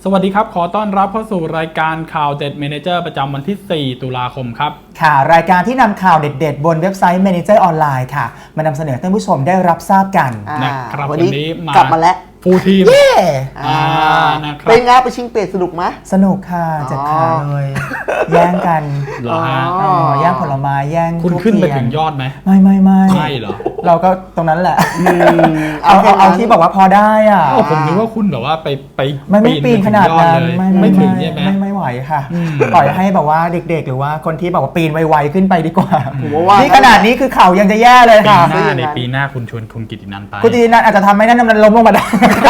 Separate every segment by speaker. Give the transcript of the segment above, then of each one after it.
Speaker 1: สวัสดีครับขอต้อนรับเข้าสู่รายการข่าวเด็ดเมเนเจอร์ประจำวันที่ 4 ตุลาคมครับ
Speaker 2: ค่ะรายการที่นำข่าวเด็ดๆบนเว็บไซต์ Manager ออนไลน์ค่ะมานำเสนอท่านผู้ชมได้รับทราบกัน
Speaker 1: นะครับวันนี้
Speaker 3: กลับมาแล้ว
Speaker 1: ฟูลทีม
Speaker 3: นะครับเป็นไงไปชิงเป็ดสนุกไหม
Speaker 2: สนุกค่ะจัดขาเลยแย่งกัน
Speaker 1: เหรอฮะ
Speaker 2: แย่งผลไม้แย่ง
Speaker 1: คุณขึ้นไปถึงยอดไหม
Speaker 2: ไม่
Speaker 1: ใช่เหรอ
Speaker 2: เราก็ตรงนั้นแหละเอาที่บอกว่าพอได้อ่ะ
Speaker 1: ผมนึกว่าคุณแบบว่าไป
Speaker 2: ไม่ปีนขนาดนั้น
Speaker 1: ไม่ถึงใช่ไหม
Speaker 2: ไม่ไหวค่ะปล่อยให้แบบว่าเด็กๆหรือว่าคนที่แบบว่าปีนไวๆขึ้นไปดีกว่านี่ขนาดนี้คือเข่ายังจะแย่เลยค่ะ
Speaker 1: ปีหน้าคุณชวนคุณกิตตินันไป
Speaker 2: คุณกิตตินันอาจจะทำให้นั่นมันล้มลงมาได้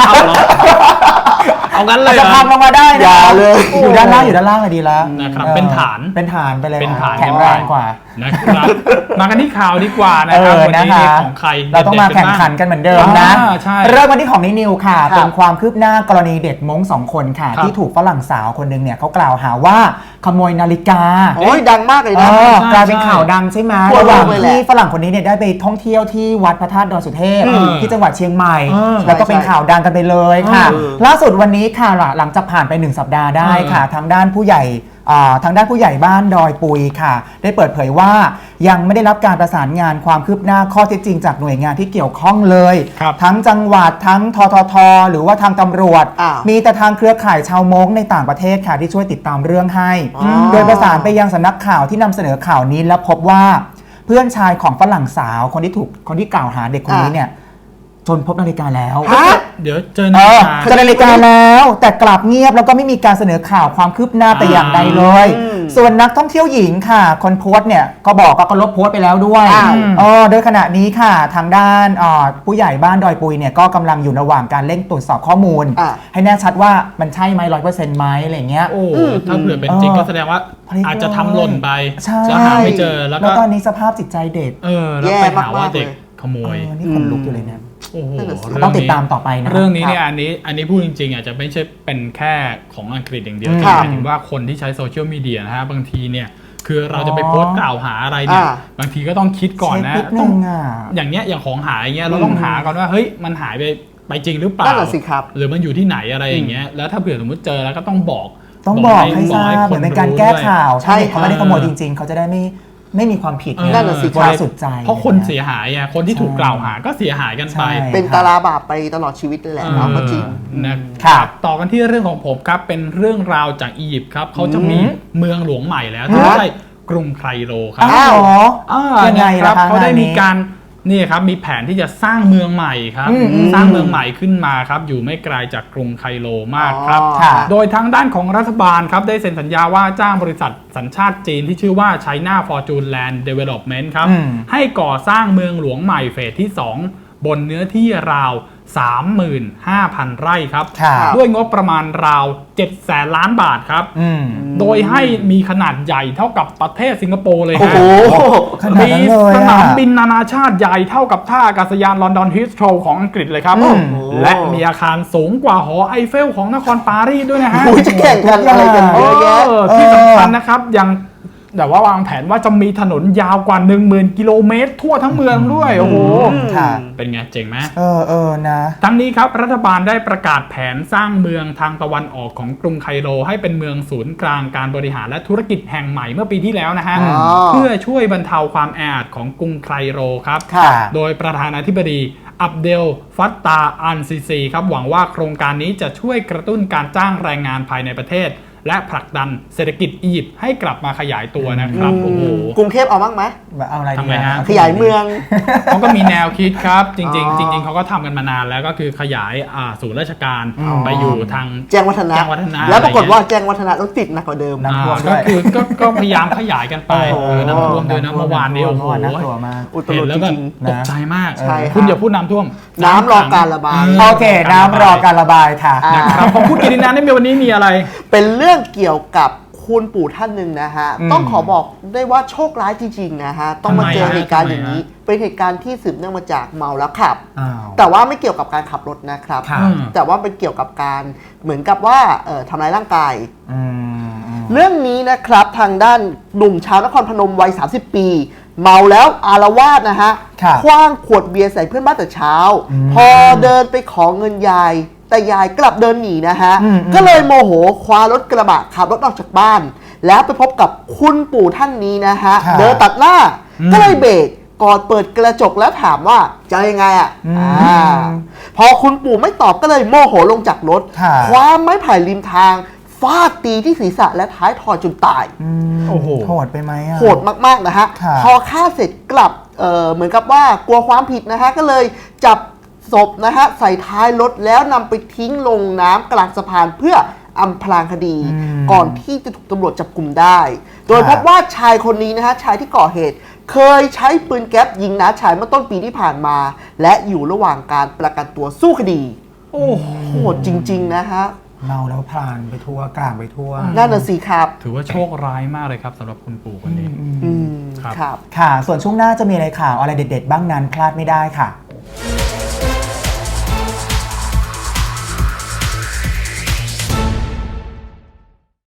Speaker 1: เอางั้นเลย
Speaker 2: จะพังลงมาได้นะอยู่ด้านล่างเลยดีแล้ว
Speaker 1: นะครับเป็นฐาน
Speaker 2: ไปเลย
Speaker 1: เป็นฐาน
Speaker 2: แข็งแรงกว่า
Speaker 1: นะครับมากันที่ข่าวดีกว่านะครับวันนี้ของใคร
Speaker 2: เราต้องมาแข่งขันกันเหมือนเดิมนะเริ่มวันที่ของนิวค่ะเป็นความคืบหน้ากรณีเด็กม้ง2 คนค่ะที่ถูกฝรั่งสาวคนนึงเนี่ยเขากล่าวหาว่าขโมยนาฬิกา
Speaker 3: โอ้ยดังมากเลยนะ
Speaker 2: กลายเป็นข่าวดังใช่ไหมระหว่างที่ฝรั่งคนนี้เนี่ยได้ไปท่องเที่ยวที่วัดพระธาตุดอยสุเทพที่จังหวัดเชียงใหม่แล้วก็เป็นข่าวดังกันไปเลยค่ะล่าสุดวันนี้ค่ะหลังจากผ่านไป1 สัปดาห์ได้ค่ะทางด้านผู้ใหญ่บ้านดอยปุยค่ะได้เปิดเผยว่ายังไม่ได้รับการประสานงานความคืบหน้าข้อเท็จจริงจากหน่วยงานที่เกี่ยวข้องเลยทั้งจังหวัดทั้งททหรือว่าทางตำรวจมีแต่ทางเครือข่ายชาวม้งในต่างประเทศค่ะที่ช่วยติดตามเรื่องให้โดยประสานไปยังสำนักข่าวที่นำเสนอข่าวนี้และพบว่าเพื่อนชายของฝรั่งสาวคนที่กล่าวหาเด็กคนนี้เนี่ยจนพบนาฬิกาแล้ว
Speaker 1: เดี๋ยวเจอ
Speaker 2: นาฬิกาแล้วแต่กลับเงียบแล้วก็ไม่มีการเสนอข่าวความคืบหน้าแต่อย่างใดเลยส่วนนักท่องเที่ยวหญิงค่ะคนโพสต์เนี่ยก็บอกก็ลบโพสต์ไปแล้วด้วยโดยขณะนี้ค่ะทางด้านผู้ใหญ่บ้านดอยปุยเนี่ยก็กำลังอยู่ระหว่างการเร่งตรวจสอบข้อมูลให้แน่ชัดว่ามันใช่ไหม100%ไหมอะไรเงี้ย
Speaker 1: ถ้าเผื่อเป็นจริงก็แสดงว่าอาจจะทำหล่นไปแล้วหาไม่เจอแล้ว
Speaker 2: ตอนนี้สภาพจิตใจเด็ก
Speaker 1: แล้วไปหาว่าเด็กขโมย
Speaker 2: นี่ขนลุกอยู่เลยเนี่ย
Speaker 1: ต้
Speaker 2: องติดตามต่อไปนะ
Speaker 1: เรื่องนี้เนี่ยอันนี้พูดจริงๆอาจจะไม่ใช่เป็นแค่ของอังกฤษอย่างเดียวแต่หมายถึงว่าคนที่ใช้โซเชียลมีเดียนะฮะบางทีเนี่ยคือเราจะไปโพสต์กล่าวหาอะไรเนี่ยบางทีก็ต้องคิดก่อนนะ
Speaker 2: ต้อง
Speaker 1: อย่างของหายอย่างเงี้ยเราต้องหาก่อนว่าเฮ้ยมันหายไปจริงหรือเปล่าหรือมันอยู่ที่ไหนอะไรอย่างเงี้ยแล้วถ้าเผื่อสมมติเจอแล้วก็ต้องบอก
Speaker 2: ให้ทราบเหมือนเป็นการแก้ข่าวใช่เขาไม่ได้ขโมยจริงๆเขาจะได้ไม่มีความผิด
Speaker 3: นั่นแหละสิ
Speaker 2: บริสุทธิ์ใจ
Speaker 1: เพราะคนเสียหายคนที่ถูกกล่าวหาก็เสียหายกันไป
Speaker 3: เป็นตาราบาปไปตลอดชีวิตเลยแหละเนาะก็จริง
Speaker 1: นะครับต่อกันที่เรื่องของผมครับเป็นเรื่องราวจากอียิปต์ครับเขาจะมีเมืองหลวงใหม่แล้วที่ใช่กรุงไคโรครับ
Speaker 2: ยังไง
Speaker 1: ครับเขาได้มีการนี่ครับมีแผนที่จะสร้างเมืองใหม่ครับสร้างเมืองใหม่ขึ้นมาครับอยู่ไม่ไกลจากกรุงไคโรมากครับโดยทางด้านของรัฐบาลครับได้เซ็นสัญญาว่าจ้างบริษัทสัญชาติจีนที่ชื่อว่า China Fortune Land Development ครับให้ก่อสร้างเมืองหลวงใหม่เฟสที่2บนเนื้อที่ราว 35,000 ไร่ครับด้วยงบประมาณราว 700,000 ล้านบาทครับโดยให้มีขนาดใหญ่เท่ากับประเทศสิงคโปร์เลยครับมีสนามบินนานาชาติใหญ่เท่ากับท่าอากาศยานลอนดอนฮิสโตรของอังกฤษเลยครับและมีอาคารสูงกว่าหอไอเฟลของนครปารีสด้วยนะฮะ
Speaker 3: จะแข่งกันอะไรกันเยอะแยะ
Speaker 1: ที่สำคัญนะครับยังแต่ว่าวางแผนว่าจะมีถนนยาวกว่า 10,000 กิโลเมตรทั่วทั้งเมืองด้วยโอ้โหเป็นไงเจ๋งไหม
Speaker 2: นะ
Speaker 1: ทั้งนี้ครับรัฐบาลได้ประกาศแผนสร้างเมืองทางตะวันออกของกรุงไคโรให้เป็นเมืองศูนย์กลางการบริหารและธุรกิจแห่งใหม่เมื่อปีที่แล้วนะฮะเพื่อช่วยบรรเทาความแออัดของกรุงไคโรครับโดยประธานาธิบดีอับเดลฟัตตาอันซีซีครับหวังว่าโครงการนี้จะช่วยกระตุ้นการจ้างแรงงานภายในประเทศและผลักดันเศรษฐกิจอียิปต์ให้กลับมาขยายตัวนะครับโอ้โห
Speaker 3: กรุงเทพเอาบ้างไหม
Speaker 2: เอาอะไร
Speaker 1: ทำไมฮะ
Speaker 3: ขยายเมือง
Speaker 1: เขาก็มีแนวคิดครับจริงเขาก็ทำกันมานานแล้วก็คือขยายศูนย์ราชการไปอยู่ทาง
Speaker 3: แจ้งวัฒนะแล้วปรากฏว่าแจ้งวัฒนะต้องติดหนักกว่าเดิม
Speaker 1: นะก็คือก็พยายามขยายกันไปน้ำท่วมด้วยนะเมื่อวานนี้โอ้โหเห็นแล้วแบบตกใจมากคุณอย่าพูดน้ำท่วม
Speaker 3: น้ำรอการระบาย
Speaker 2: โอเคน้ำรอการระบายค่ะ
Speaker 1: นะครับของคุณกิตินันในวันนี้มีอะไร
Speaker 3: เป็นเรื่องเกี่ยวกับคุณปู่ท่านหนึ่งนะฮะต้องขอบอกได้ว่าโชคร้ายจริงๆนะฮะต้องมาเจอเหตุการณ์อย่างนี้เป็นเหตุการณ์ที่สืบเนื่องมาจากเมาแล้วขับแต่ว่าไม่เกี่ยวกับการขับรถนะครับแต่ว่าเป็นเกี่ยวกับการเหมือนกับว่าทำร้ายร่างกายเรื่องนี้นะครับทางด้านหนุ่มชาวนครพนมวัย30 ปีเมาแล้วอาละวาดนะฮะคว้างขวดเบียร์ใส่เพื่อนบ้านแต่เช้าพอเดินไปขอเงินยายแต่ยายกลับเดินหนีนะฮะก็เลยโมโหคว้ารถกระบะขับรถออกจากบ้าน แล้วไปพบกับคุณปู่ท่านนี้นะฮะเดินตัดหน้าก็เลยเบรกกอดเปิดกระจกแล้วถามว่าจะยังไงพอคุณปู่ไม่ตอบก็เลยโมโหลงจากรถคว้าไม้ไผ่ริมทางฟาดตีที่ศีรษะและท้ายทอยจนตาย
Speaker 2: โอ้โหโหดไปไหม
Speaker 3: โหดมากๆนะฮะพอฆ่าเสร็จกลับเหมือนกับว่ากลัวความผิดนะฮะก็เลยจับศพนะฮะใส่ท้ายรถแล้วนำไปทิ้งลงน้ำกลางสะพานเพื่ออำพรางคดีก่อนที่จะถูกตำรวจจับกลุ่มได้โดยพบว่าชายคนนี้นะฮะชายที่ก่อเหตุเคยใช้ปืนแก๊ปยิงน้าชายเมื่อต้นปีที่ผ่านมาและอยู่ระหว่างการประกันตัวสู้คดีโอ้โหจริงๆนะฮะ
Speaker 2: เมาแล้วพลานไปทั่วกลางไปทั่ว
Speaker 3: นั่นน่ะสิครับ
Speaker 1: ถือว่าโชคร้ายมากเลยครับสำหรับคุณปู่คนนี้
Speaker 3: ครับ
Speaker 2: ค่ะส่วนช่วงหน้าจะมีอะไรข่าวอะไรเด็ดๆบ้างนั้นพลาดไม่ได้ค่ะ